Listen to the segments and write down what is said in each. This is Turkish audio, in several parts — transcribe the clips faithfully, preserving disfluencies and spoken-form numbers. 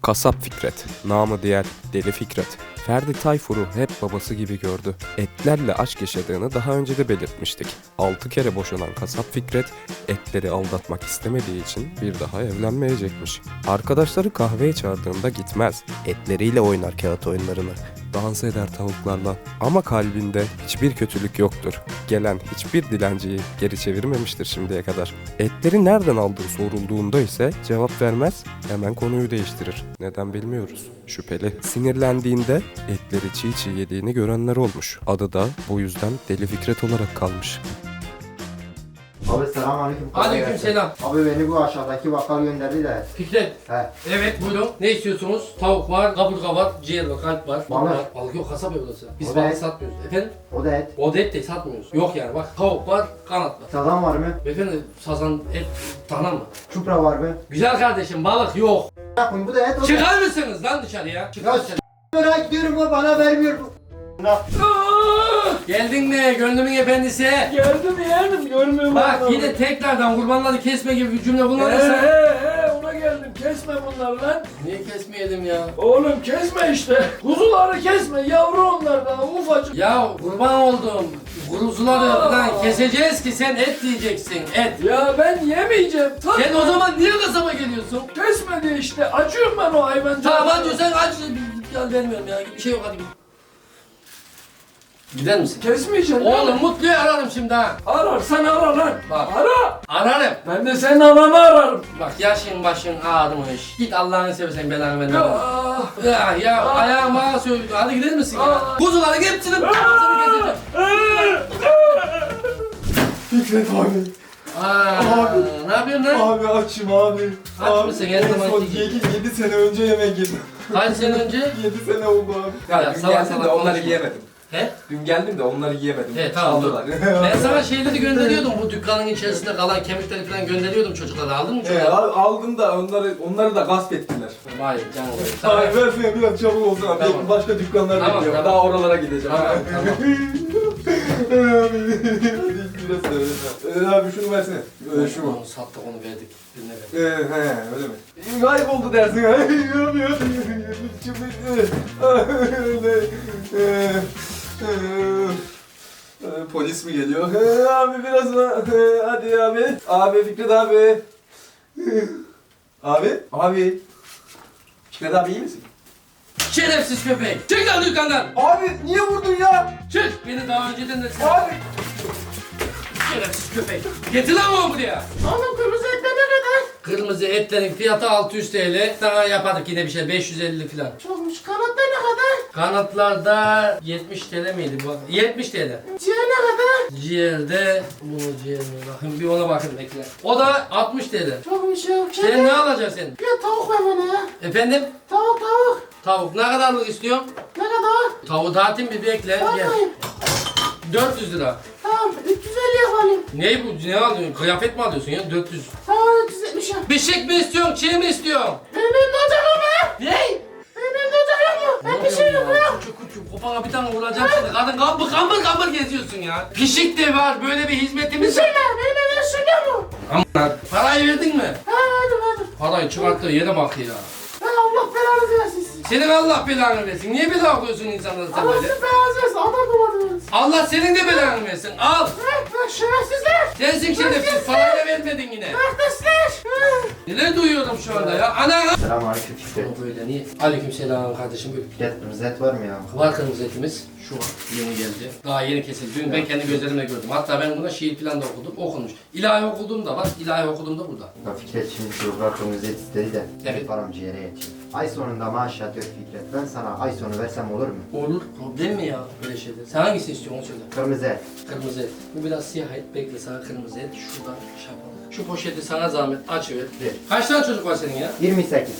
Kasap Fikret, namı diğer Deli Fikret, Ferdi Tayfur'u hep babası gibi gördü. Etlerle aşk yaşadığını daha önce de belirtmiştik. Altı kere boşanan Kasap Fikret, etleri aldatmak istemediği için bir daha evlenmeyecekmiş. Arkadaşları kahveye çağırdığında gitmez, etleriyle oynar kağıt oyunlarını. Dans eder tavuklarla ama kalbinde hiçbir kötülük yoktur. Gelen hiçbir dilenciyi geri çevirmemiştir şimdiye kadar. Etleri nereden aldığı sorulduğunda ise cevap vermez, hemen konuyu değiştirir. Neden bilmiyoruz. Şüpheli. Sinirlendiğinde etleri çiğ çiğ yediğini görenler olmuş. Adı da bu yüzden Deli Fikret olarak kalmış. Abi selamünaleyküm. Aleykümselam. Abi beni bu aşağıdaki bakkal gönderdi de. Fikret. He. Evet buyurun. Ne istiyorsunuz? Tavuk var, kaburga var, ciğer var, kalp var. Balık. var. Balık yok, kasap evi burası. Biz O balık da- satmıyoruz. Efendim? O da et. O da et de satmıyoruz. Yok yani bak tavuk var, kanat var. Sazan var mı? Beyefendi sazan et dana mı? Çupra var mı? Güzel kardeşim balık yok. Yapın bu da et. O da- Çıkar mısınız lan dışarıya? Çıkar Ya mısınız? merak ediyorum o bana vermiyor bu. Na- Geldin mi gönlümün efendisi? Geldim yeğenim görmüyorum. Bak yine tekrardan kurbanları kesme gibi bir cümle He kullanırsan. he he ona geldim kesme bunları lan. Niye kesmeyelim ya? Oğlum kesme işte. Kuzuları kesme yavru onlar daha ufacık. Ya kurban oldum. Kuruzuları falan keseceğiz ki sen et diyeceksin et. Ya ben yemeyeceğim. Tabii. Sen o zaman niye kasaba geliyorsun? Kesmedi işte acıyorum ben o hayvancağıza. Tamam diyorsan aç. Ya vermiyorum ya bir şey yok hadi git. Gider misin? Kesmeyeceğim. Oğlum Mutlu'yu ararım şimdi ha. Ararsan ara lan. Bak. Ara. Ararım. Ben de senin ananı ararım. Bak yaşın başın ağrımış. Git Allah'ını seversen belanı verme. Ya. Ya ya ayağım ağa söylüyor. Hadi gider misin ya? Aa. Kuzuların hepsini kafasını keseceğim. Fikret abi. Aa, ne yapıyorsun lan? Abi açım abi. Aç Abi, mısın? Her en zamanki son gibi. yedi sene önce yemek yedim. Kaç sene önce? yedi sene oldu abi. Ya, Ya, dün salak geldim salak de onları konuşma. yiyemedim. He? Dün geldim de onları yiyemedim. He tamam dur. Çaldılar. Ben sana şeyleri gönderiyordum. Bu dükkanın içerisinde kalan kemikleri falan gönderiyordum çocuklara. Aldın mı He, çocuklara? al- aldım da onları onları da gasp ettiler. Hayır canım. Tamam. Abi versene biraz çabuk olsun abi. Tamam. Başka dükkanlar Tamam, bekliyorum. tamam. Daha oralara gideceğim. Tamam, tamam. Abi biraz söyle. Abi şunu versene. Ee, şu. Onu sattık onu verdik. Birine verdik. Ee, he öyle mi? Gayip oldu dersin. Yok yok. Öyle. Ee, ee, Polis mi geliyor? Ee, abi biraz da ee, hadi abi. Abi Fikret abi. Abi. Abi. Fikret abi iyi misin? Şerefsiz köpek! Çık lan dükkandan! Abi niye vurdun ya? Çık! Beni daha önceden de sen... Abi. Şerefsiz köpek! Getir lan onu buraya! Oğlum kırmızı etler ne kadar? Kırmızı etlerin fiyatı altı yüz TL. Sana yapardık yine bir şey beş yüz elli falan. Çokmuş. Kanatlar ne kadar? Kanatlarda yetmiş TL miydi bu? yetmiş TL. Ciğer ne kadar? Ciğerde... Bunu ciğer mi? Bakın bir ona bakın bekle. O da altmış TL. Çokmuş ya. Sen ne alacaksın sen? Ya tavuk ver bana ya. Efendim? Tavuk tavuk. Tavuk ne kadarlık istiyorsun? Ne kadar? Tavuğu dağıtayım bir bekle. Gel. Bakmayın. dört yüz lira. Tamam üç yüz elli yapalım. Ne bu? Ne alıyorsun? Kıyafet mi alıyorsun ya? dört yüz. Tamam üç yüz yetmiş yap. Bişik mi istiyorsun? Çiğ mi istiyorsun? Benim elimde ocak yok mu? Ne? Benim elimde ocak yok mu? Ben bir şey yok ya. Küçük küçük kopana bir tane vuracağım seni. Kadın kambır kambır kambır geziyorsun ya. Pişik de var. Böyle bir hizmetimiz var. Düşünme benim elimde sürüyor mu? Aman. Parayı verdin mi? Ha verdim verdim. Parayı çıkarttığı yere bak ya. Ha Allah belanızı versin sizi. Senin Allah belanı versin. Niye bela koyuyorsun insanlara sen Allah böyle? sizin belanızı versin. Adam kovaladınız. Allah senin de belanı versin. Al. Ha ha şerefsizler. Sensin şerefsiz. Parayı da vermedin yine. Kardeşler. Neler duyuyorum şu anda ya? Ana. Selamünaleyküm Fikret. O böyle niye? Aleykümselam kardeşim buyur. Fikret kırmızı et var mı ya? Var kırmızı etimiz. Şu var. Yeni geldi. Daha yeni kesildi. Dün ben kendi gözlerimle gördüm. Hatta ben buna şiir falan da okudum. Okunmuş. İlahi okuduğum da var. İlahi okuduğum da burada. Ya Fikret şimdi çocuklar kırmızı et istedi de. Evet. Param ciğere yetişir. Ay sonunda maaş yatıyor Fikret. Ben sana ay sonu versem olur mu? Olur. Problem mi ya böyle şeyler? Sen hangisini istiyorsun onu söyle. Kırmızı et. Kırmızı et. Bu biraz siyah et. Bekle sana kırmızı et. Şuradan şey yapalım. Şu poşeti sana zahmet açıver. Ver. Kaç tane çocuk var senin ya? yirmi sekiz.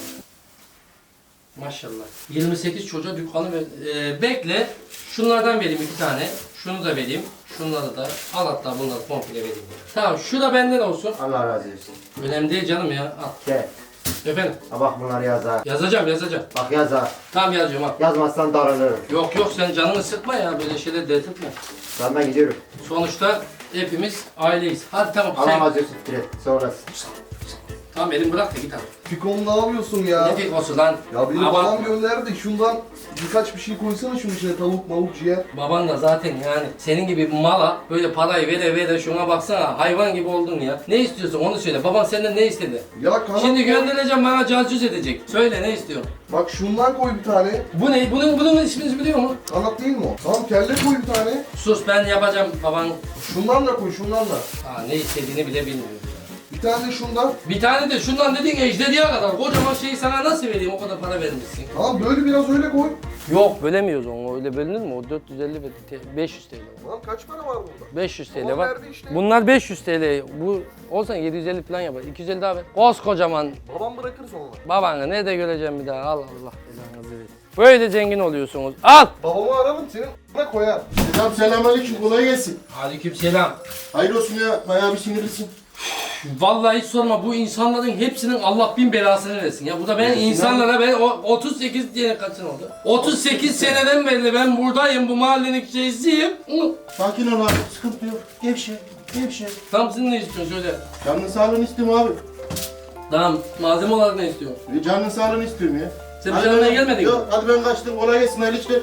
Maşallah. yirmi sekiz çocuğa dükkanı ver. Ee, bekle. Şunlardan vereyim iki tane. Şunu da vereyim. Şunları da. Al hatta bunları komple vereyim. Tamam şu da benden olsun. Allah razı olsun. Önemli değil canım ya. Al. Gel. Efendim. Ha bak bunları yaz ha. Yazacağım yazacağım. Bak yaz ha. Tamam yazacağım al. Yazmazsan darılırım. Yok yok sen canını sıkma ya böyle şeyler dert etme. Ben ben gidiyorum. Sonuçta hepimiz aileyiz. Hadi tamam Allah sen. razı olsun Fikret. Sonrası. Tamam elimi bırak da git abi. Fikom ne yapıyorsun ya? Ne fikosu lan? Ya benim Aman. babam gönderdi. Şundan birkaç bir şey koysana şunun içine. Tavuk, mavuk, ciğer. Baban da zaten yani senin gibi mala böyle parayı vere vere şuna baksana hayvan gibi oldun ya. Ne istiyorsun onu söyle. Baban senden ne istedi? Ya kanat Şimdi koy. göndereceğim bana cazcüz edecek. Söyle ne istiyorsun? Bak şundan koy bir tane. Bu ne? Bunun bunun ismini biliyor mu? Kanat değil mi o? Tamam kelle koy bir tane. Sus ben yapacağım baban. Şundan da koy, şundan da. Aa, ne istediğini bile bilmiyor. Bir tane de şundan. Bir tane de şundan dediğin ejderiye kadar kocaman şeyi sana nasıl vereyim o kadar para vermişsin. Tamam böyle biraz öyle koy. Yok bölemiyoruz onu öyle bölünür mü? O dört yüz elli ve beş yüz T L. Lan kaç para var burada? beş yüz T L Babam var. verdi işte. Bunlar beş yüz T L. Bu olsan yedi yüz elli falan yapar. iki yüz elli daha ver. Koskocaman Babam bırakır sonra. babanı nerede göreceğim bir daha. Allah Allah belanızı versin. Böyle zengin oluyorsunuz. Al. Babamı ararım senin a**ına koyar. Selam selamünaleyküm kolay gelsin. Aleykümselam. Hayır olsun ya bayağı bir sinirlisin. Vallahi hiç sorma bu insanların hepsinin Allah bin belasını versin ya. Bu da ben insanlara ben o otuz sekiz diye kaç sene oldu? otuz sekiz seneden beri ben buradayım bu mahallenin şeysiyim. Hı. Sakin ol abi sıkıntı yok. Gevşe gevşe. Tamam sen ne istiyorsun söyle. Canın sağlığını istiyorum abi. Tamam malzeme olarak ne istiyorsun? E, Canın sağlığını istiyorum ya. Sen bir Hadi şey almaya ben- gelmedin mi? Yok hadi ben kaçtım kolay gelsin hayırlı işler.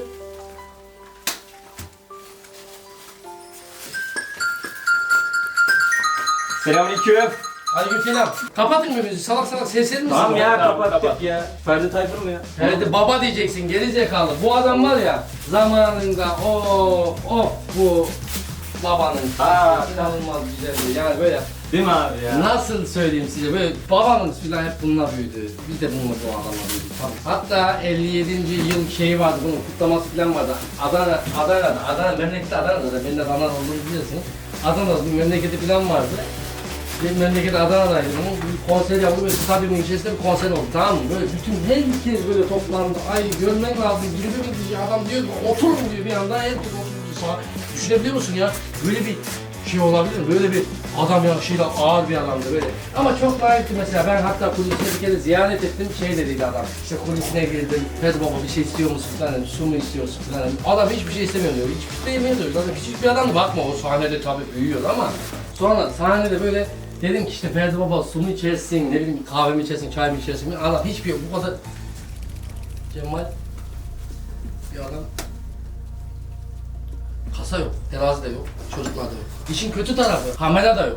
Selamünaleyküm. Aleykümselam. Kapatın mı bizi? Salak salak sesler misin? Tamam ya kapattık ya. Ferdi Tayfur mu ya? Ferdi baba diyeceksin geri zekalı. Bu adam var ya zamanında o o bu babanın Ha. inanılmaz güzeldi. Yani böyle Değil mi abi ya? nasıl söyleyeyim size böyle babanız filan hep bununla büyüdü. Biz de bununla bu adamla büyüdük. Tamam. Hatta elli yedinci yıl şeyi vardı bunun kutlaması filan vardı. Adana, Adana'da, Adana memleketi Adana'da da ben de Adana olduğunu biliyorsunuz. Adana'da bir memleketi filan vardı. Benim memleket Adana'daydı. Bunun bir konser yapıldı ve stadyumun içerisinde bir konser oldu tamam mı? Böyle bütün herkes böyle toplandı. Ay görmen lazım. Girdi mi diye adam diyor ki oturun diyor bir anda herkes oturdu sağa. Düşünebiliyor musun ya? Böyle bir şey olabilir mi? Böyle bir adam yaşıyla ağır bir adamdı böyle. Ama çok layıktı mesela. Ben hatta kulisine bir kere ziyaret ettim. Şey dediydi adam. İşte kulisine girdim. Fez baba bir şey istiyor musun falan dedim. Su mu istiyorsun falan dedim. Adam hiçbir şey istemiyor diyor. Hiçbir şey yemiyor diyor. Zaten küçük bir adam bakma o sahnede tabii büyüyor ama sonra sahnede böyle dedim ki işte Ferdi Baba su mu içersin, ne bileyim kahve mi içersin, çay mı içersin? Allah hiçbir yok bu kadar. Cemal bir adam. Kasa yok, terazi de yok, çocuklar da yok. İşin kötü tarafı, kamera da yok.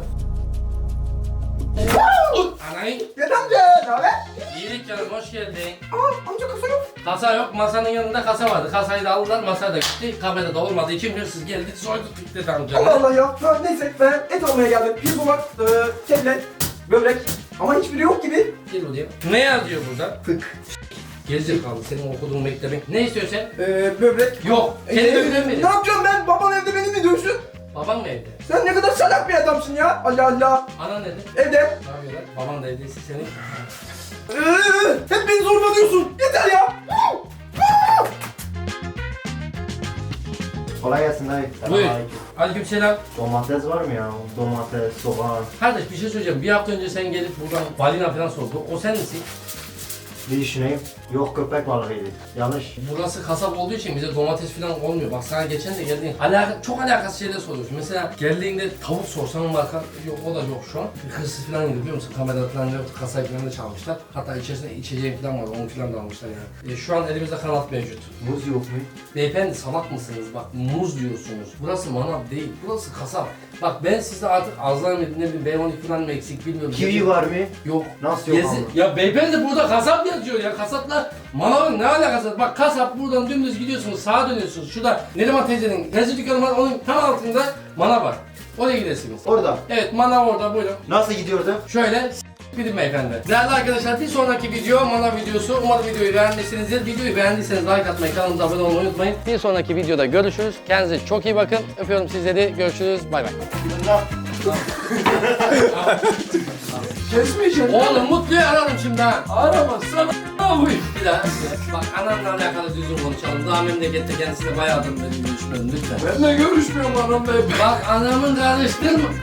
Anayın. Gel amca, ne haber? İyilik canım, hoş geldin. Aa, amca kasa yok. Kasa yok, masanın yanında kasa vardı. Kasayı da aldılar, masaya da gitti. Kamera da olmadı. İki hırsız geldi, soyduk gitti tamam canım. Allah Allah ya. Ha, neyse ben et almaya geldim. Pirzola, e, kelle, börek. Ama hiçbiri yok gibi. Gel buraya. Ne yazıyor burada? Fık. Gerizekalı senin okuduğun mektebin. Ne istiyorsun sen? E, böbrek. Yok. E, Kendi ödem ne yapacağım ben? Baban evde beni mi dövsün? Baban mı evde? Sen ne kadar salak bir adamsın ya. Allah Allah. Anan nerede? Evde. Ne yapıyorlar? Baban da evdeyse senin. Ee, hep beni zorbalıyorsun. Yeter ya. Kolay gelsin dayı. Buyur. Selamünaleyküm. Aleykümselam. Domates var mı ya? Domates, soğan. Kardeş bir şey söyleyeceğim. Bir hafta önce sen gelip buradan balina falan sordu. O sen misin? Bir düşüneyim. Yok köpek balığıydı. Yanlış. Burası kasap olduğu için bize domates falan olmuyor. Bak sana geçen de geldiğin alaka, çok alakasız şeyler soruyorsun. Mesela geldiğinde tavuk sorsan marka yok o da yok şu an. Bir hırsız falan gidiyor biliyor musun? Kamera falan yoktu. Kasayı falan da çalmışlar. Hatta içerisinde içeceğim falan var. Onu falan da almışlar yani. E, şu an elimizde kanat mevcut. Muz yok mu? Beyefendi salak mısınız? Bak muz diyorsunuz. Burası manav değil. Burası kasap. Bak ben size artık azlar mı ne bileyim B on iki falan mı eksik bilmiyorum. Kivi var mı? Yok. Nasıl yok Gezi- ama? Ya beyefendi burada kasap yazıyor ya. Kasapla manavın ne alakası var? Bak kasap buradan dümdüz gidiyorsunuz. Sağa dönüyorsunuz. Şurada Neriman teyzenin teyze dükkanı var. Onun tam altında manav var. Oraya gidesiniz. Orada. Evet manav orada buyurun. Nasıl gidiyordu? Şöyle s- gidin beyefendi. Değerli arkadaşlar bir sonraki video manav videosu. Umarım videoyu beğenmişsinizdir. Videoyu beğendiyseniz like atmayı, kanalımıza abone olmayı unutmayın. Bir sonraki videoda görüşürüz. Kendinize çok iyi bakın. Öpüyorum sizleri. Görüşürüz. Bay bay. Kesmeyeceğim. Oğlum Mutlu'yu ararım şimdi ha. Aramazsan a**ayım. Bir daha. Bak anamla alakalı düzgün konuşalım. Daha memlekette kendisiyle bayağıdır benim görüşmedim lütfen. Benle görüşmüyorum anamla hep. Bak anamın karıştırma.